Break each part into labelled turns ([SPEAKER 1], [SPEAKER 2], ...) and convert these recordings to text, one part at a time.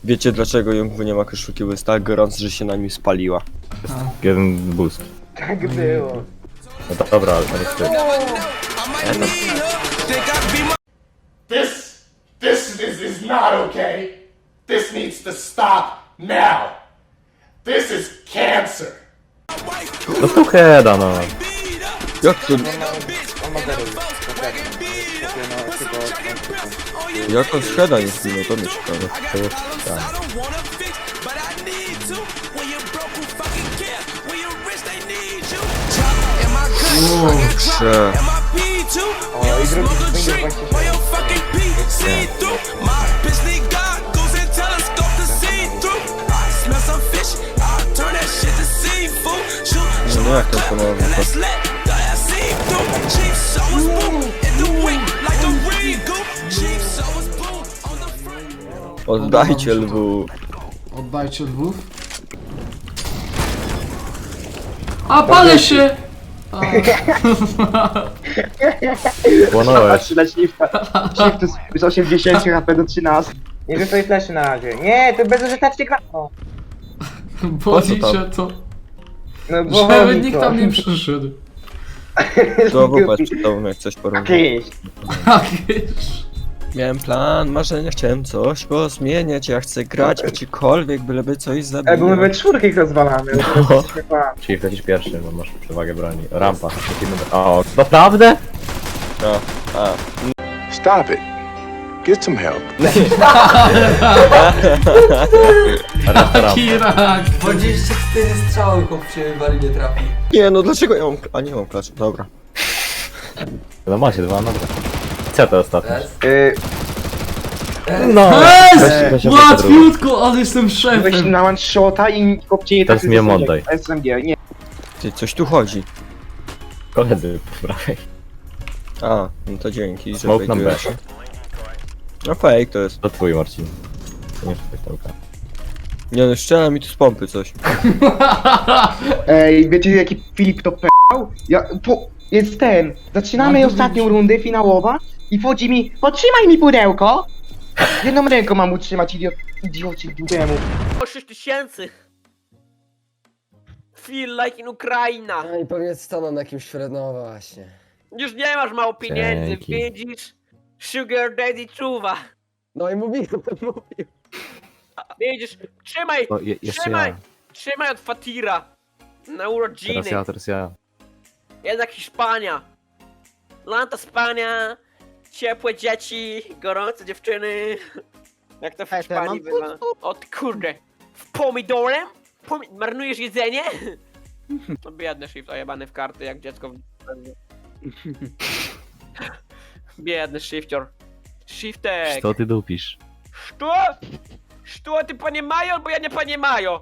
[SPEAKER 1] Wiecie dlaczego Jungwu nie ma koszulki, bo jest tak gorąco, że się na nim spaliła.
[SPEAKER 2] Jeden boost.
[SPEAKER 3] Tak było.
[SPEAKER 2] No to dobra, ale to jest ty.
[SPEAKER 4] This is not okay. This needs to stop now. This is cancer.
[SPEAKER 2] No to heada, no.
[SPEAKER 1] Jak to...
[SPEAKER 3] On ma zero już.
[SPEAKER 1] Jak on shredda nie zginął, to mnie ciekawe.
[SPEAKER 2] To jest tak.
[SPEAKER 1] Kurczę.
[SPEAKER 3] O, i drugi będzie właśnie
[SPEAKER 1] No nie, jak ten ponownie to... Oddajcie lwu.
[SPEAKER 5] Oddajcie lwów. A, palę się! A.
[SPEAKER 2] Płonąłeś.
[SPEAKER 6] Patrzy na shifta. Shift z 80 HP do 13.
[SPEAKER 3] Nie rzucaj fleszy na razie. Nie, to bezużytecznie gra... O,
[SPEAKER 5] Boli
[SPEAKER 1] tam?
[SPEAKER 5] cię to.
[SPEAKER 3] no bo
[SPEAKER 5] Żeby nikt tam nie przyszedł.
[SPEAKER 1] To wobec przed tobą jak coś porównywać.
[SPEAKER 6] Kiedyś.
[SPEAKER 5] Jakieś.
[SPEAKER 1] Miałem plan, marzenia, chciałem coś pozmieniać, ja chcę grać gdziekolwiek, byleby coś
[SPEAKER 6] Bo my we
[SPEAKER 1] zabijać.
[SPEAKER 6] czwórkę ich rozwalamy.
[SPEAKER 2] Czyli lecisz pierwszy, bo masz przewagę broni. Rampa. O, naprawdę?
[SPEAKER 1] No, a.
[SPEAKER 4] Stop it. Get some help.
[SPEAKER 2] Rampa.
[SPEAKER 5] Taki rak.
[SPEAKER 7] 24 strzały chłop się wali nie trafi.
[SPEAKER 1] Nie no, dlaczego ja mam... A nie mam klacz, dobra.
[SPEAKER 2] No macie dwa, dobra. Co to ostatnie?
[SPEAKER 7] Raz.
[SPEAKER 2] No!
[SPEAKER 5] Jest! Łatwiutko, ale jestem
[SPEAKER 6] Weź
[SPEAKER 5] szefem.
[SPEAKER 6] na one shota i kopcie nie
[SPEAKER 2] Teraz mi ją oddaj.
[SPEAKER 6] SMG, nie.
[SPEAKER 1] Ty, coś tu chodzi.
[SPEAKER 2] Koledzy po prawej.
[SPEAKER 1] A, no to dzięki, że
[SPEAKER 2] Smoke nam
[SPEAKER 1] fejtujesz.
[SPEAKER 2] B.
[SPEAKER 1] No fake to jest.
[SPEAKER 2] To twój, Marcin. To nie pytałka.
[SPEAKER 1] Nie no, strzela mi tu z pompy coś.
[SPEAKER 6] Ej, wiecie jaki Filip to p***ał? Jest ten. Zaczynamy
[SPEAKER 5] No to
[SPEAKER 6] ostatnią
[SPEAKER 5] widzisz.
[SPEAKER 6] rundę finałowa i wchodzi mi, potrzymaj mi pudełko! Jedną ręką mam utrzymać, idiocie dudemu.
[SPEAKER 8] O 6000! Feel like in Ukraina!
[SPEAKER 7] No i pewnie stanął na jakimś no właśnie.
[SPEAKER 8] Już nie masz mało pieniędzy,
[SPEAKER 2] Dzięki.
[SPEAKER 8] widzisz? Sugar daddy czuwa!
[SPEAKER 7] No i mówił.
[SPEAKER 8] Widzisz? Trzymaj!
[SPEAKER 2] O, jeszcze
[SPEAKER 8] trzymaj!
[SPEAKER 2] ja.
[SPEAKER 8] Trzymaj od Fatira! Na urodziny!
[SPEAKER 2] Teraz ja.
[SPEAKER 8] Jednak Hiszpania! Lata Spania! Ciepłe dzieci, gorące dziewczyny! Jak to w Hiszpanii bywa? O ty kurde! W pomidorem? Marnujesz jedzenie? No biedny shift ojebany w karty jak dziecko w... Biedny shifter. Shiftek!
[SPEAKER 2] Co ty dupisz?
[SPEAKER 8] Что? Что ты понимаешь, bo ja nie понимаю?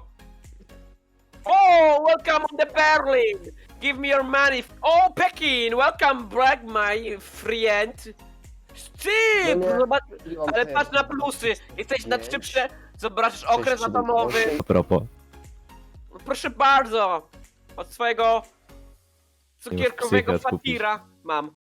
[SPEAKER 8] Oh, welcome on the Berlin! Give me your money. Oh, Pekin! Welcome back, my friend! Ty!
[SPEAKER 7] No nie.
[SPEAKER 8] Zobacz,
[SPEAKER 7] I mam
[SPEAKER 8] ale
[SPEAKER 7] też.
[SPEAKER 8] patrz na plusy! Jesteś na
[SPEAKER 7] Pięć.
[SPEAKER 8] szczypce, zobaczysz okres
[SPEAKER 7] Sześć,
[SPEAKER 8] atomowy.
[SPEAKER 7] siedem,
[SPEAKER 2] A propos.
[SPEAKER 8] Proszę bardzo! Od swojego cukierkowego
[SPEAKER 2] psychiatr kupić.
[SPEAKER 8] Fatira mam.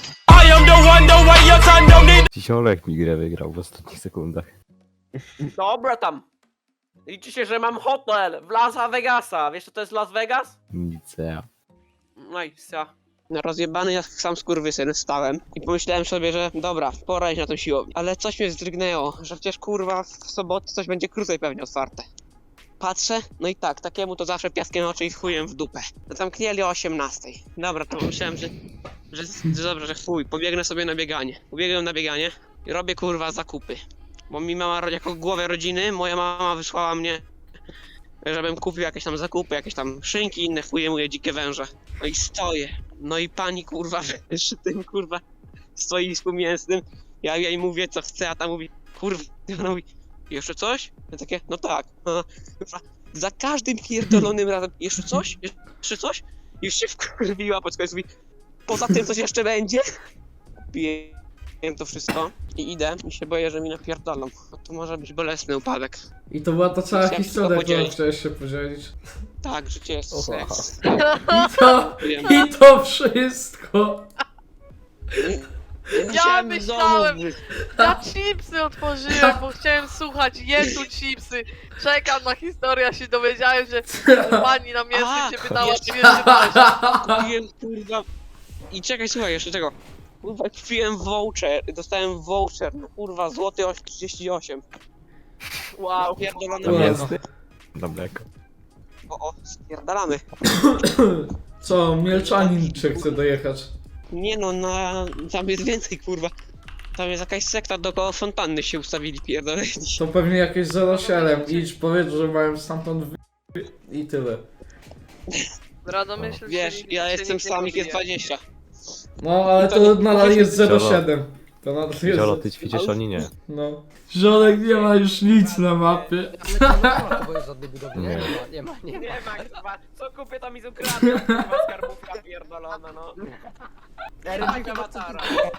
[SPEAKER 2] Dziś mi grę wygrał w ostatnich sekundach.
[SPEAKER 8] Dobra tam. Liczy się, że mam hotel w Las Vegasa. Wiesz co to jest Las Vegas?
[SPEAKER 2] Nic ja.
[SPEAKER 8] No i co? Rozjebany jak sam skurwysyn stałem i pomyślałem sobie, że dobra, pora iść na tą siłownię. Ale coś mnie zdrygnęło, że przecież kurwa w sobotę coś będzie krócej pewnie otwarte. Patrzę, no i tak, takiemu to zawsze piaskiem oczy i chujem w dupę. Zamknęli o 18. Dobra, to myślałem, że dobrze, że chuj, pobiegnę sobie na bieganie. Pobiegłem na bieganie i robię kurwa zakupy. Bo mi mama, jako głowę rodziny, moja mama wysłała mnie, żebym kupił jakieś tam zakupy, jakieś tam szynki, inne chuje moje dzikie węże. No i stoję. No i pani kurwa przy tym kurwa stoisku mięsnym. Ja jej mówię co chcę, a ta mówi kurwa, ona mówi jeszcze coś? Ja takie, no tak. Kurwa, za każdym pierdolonym razem jeszcze coś? Jeszcze coś? Już się wkurwiła, po prostu mówi poza tym coś jeszcze będzie? Piję to wszystko i idę i się boję, że mi napierdolą. No to może być bolesny upadek.
[SPEAKER 5] I to była ta cała
[SPEAKER 8] Chciałem
[SPEAKER 5] historia,
[SPEAKER 8] tylko
[SPEAKER 5] którą
[SPEAKER 8] podzielić.
[SPEAKER 5] chciałeś się podzielić.
[SPEAKER 8] Tak, życie jest seks.
[SPEAKER 5] I to,
[SPEAKER 8] Wiem.
[SPEAKER 5] i to wszystko.
[SPEAKER 8] Chciałem
[SPEAKER 9] myślałem-
[SPEAKER 8] w domu
[SPEAKER 9] Ja chipsy otworzyłem, bo chciałem słuchać, jem tu chipsy. Czekam na historię, ja się dowiedziałem, że pani na mięsnym się pytała,
[SPEAKER 8] jeszcze-
[SPEAKER 9] czy jest
[SPEAKER 8] kupiłem, kurwa... I czekaj, słuchaj, jeszcze tego. Kurwa, kupiłem voucher, dostałem voucher, no kurwa, złoty 38. Wow, pierdolone
[SPEAKER 5] Wow.
[SPEAKER 8] mięso.
[SPEAKER 2] Na mleko.
[SPEAKER 8] O, spierdalamy.
[SPEAKER 5] Co, Mielczanin czy chce dojechać?
[SPEAKER 8] Nie no, tam jest więcej, kurwa. Tam jest jakaś sekta dookoła fontanny się ustawili, pierdoleni.
[SPEAKER 5] To pewnie jakieś 07. Idź, powiedz, że mają stamtąd i tyle.
[SPEAKER 9] Radomyśl,
[SPEAKER 8] Wiesz,
[SPEAKER 9] się
[SPEAKER 8] ja
[SPEAKER 9] nikt
[SPEAKER 8] jestem
[SPEAKER 9] nie
[SPEAKER 8] sam,
[SPEAKER 9] pobije.
[SPEAKER 8] jest 20.
[SPEAKER 5] No, ale to nadal jest 07. To nadal jest...
[SPEAKER 2] Ziolo, ty ćwiczysz, oni nie.
[SPEAKER 5] No. Żolek nie ma już nic na mapie.
[SPEAKER 7] Ale to nie ma to, bo jest żadnej budowy.
[SPEAKER 2] Nie.
[SPEAKER 7] Nie ma.
[SPEAKER 8] Nie ma, kurwa, co kupię to mi z ukradną, kurwa, skarbówka pierdolona, no. Eryk awatara.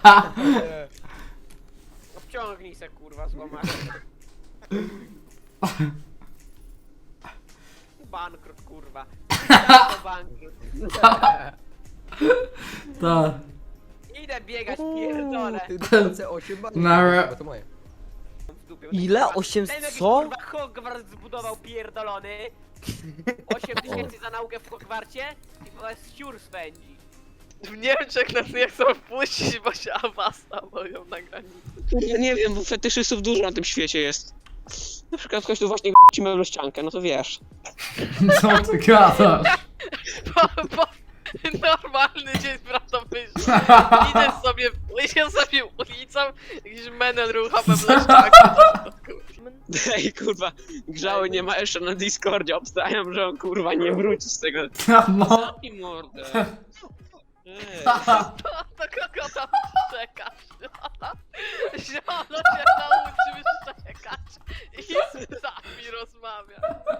[SPEAKER 8] Obciągnij se, kurwa, złamać. Bankrut, kurwa. Bankrut.
[SPEAKER 5] Tak.
[SPEAKER 8] Idę biegać, pierdolę.
[SPEAKER 7] Ty C8 ma?
[SPEAKER 5] Nara.
[SPEAKER 7] Bo to moje.
[SPEAKER 8] W dupie.
[SPEAKER 1] Ile? 8
[SPEAKER 8] Ten jakiś,
[SPEAKER 1] co?
[SPEAKER 8] kurwa, Hogwart zbudował pierdolony. 8000 za naukę w Hogwarcie i to jest siur swędzi.
[SPEAKER 9] W Niemczech nas nie chcą wpuścić, bo się awasa boją na granicy.
[SPEAKER 8] Ja nie wiem, bo fetyszystów dużo na tym świecie jest. Na przykład ktoś tu właśnie ci meblościankę, no to wiesz.
[SPEAKER 5] Co ty gadasz?
[SPEAKER 9] Bo normalny dzień w Radomyślu. Idę sobie ulicą, jakiś menel rucha we blaszczaki.
[SPEAKER 8] Ej, kurwa, grzały nie ma jeszcze na Discordzie, obstawiam, że on kurwa nie wróci z tego.
[SPEAKER 5] No.
[SPEAKER 8] I mordę. Ej.
[SPEAKER 9] To kogo tam czekasz? Ziono się nauczył szczekać i z nami rozmawia.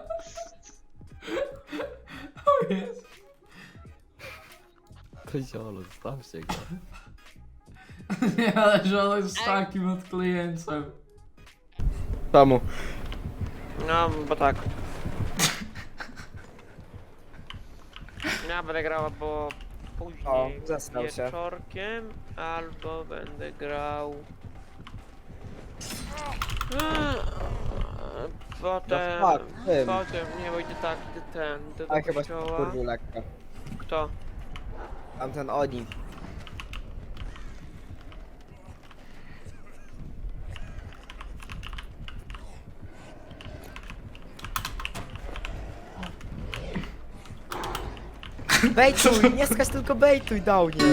[SPEAKER 7] To ziolo, zostawcie go.
[SPEAKER 5] Nie, ale żolek jest takim odklejeńcem.
[SPEAKER 1] Tamu.
[SPEAKER 8] No, bo tak. Ja będę grał albo później
[SPEAKER 1] O, zasnął się.
[SPEAKER 8] wieczorkiem, albo będę grał... Potem...
[SPEAKER 1] No fuck, tym.
[SPEAKER 8] Potem, nie, bo idę tak, idę do
[SPEAKER 1] A chyba się
[SPEAKER 8] kościoła.
[SPEAKER 1] kurwił lekko.
[SPEAKER 8] Kto?
[SPEAKER 1] Tamten oni. Bejtuj, nie skacz, tylko bejtuj, Downie.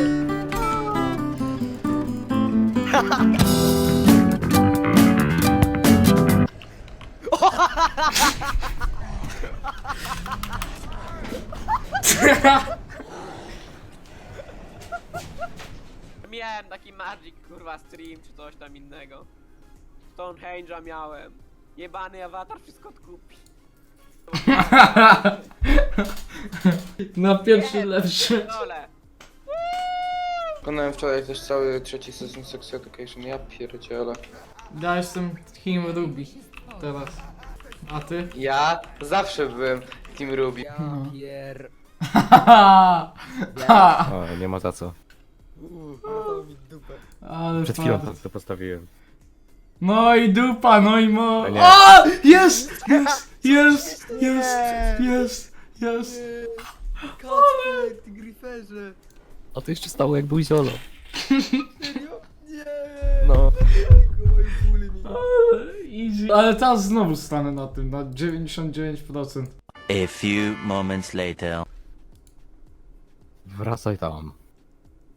[SPEAKER 8] Miałem taki Magic, kurwa, stream czy coś tam innego. Stonehenge'a miałem. Jebany awatar wszystko odkupi.
[SPEAKER 5] Na pierwszy lepszy.
[SPEAKER 8] Dole.
[SPEAKER 10] Wykonałem wczoraj też cały trzeci sezon Sex Education, ja pierdzielę.
[SPEAKER 5] Ja jestem Team Ruby. Teraz. A ty?
[SPEAKER 10] Ja zawsze byłem Team Ruby.
[SPEAKER 7] Ja pier...
[SPEAKER 2] O, nie ma za co.
[SPEAKER 7] To mi dupę.
[SPEAKER 5] Ale
[SPEAKER 2] Przed chwilą
[SPEAKER 5] fart.
[SPEAKER 2] to postawiłem.
[SPEAKER 5] No i dupa, no i mo...
[SPEAKER 2] No nie.
[SPEAKER 5] O! Jest! Jest! Jest! Jest! Jest! Jest!
[SPEAKER 7] Kacper, ty gryferze.
[SPEAKER 2] A to jeszcze stało jak był ziolo.
[SPEAKER 7] Serio? Nie.
[SPEAKER 2] No.
[SPEAKER 7] Oj, bóli mi.
[SPEAKER 5] Ale easy. Ale teraz znowu stanę na tym, na 99%.
[SPEAKER 11] A few moments later.
[SPEAKER 2] Wracaj tam.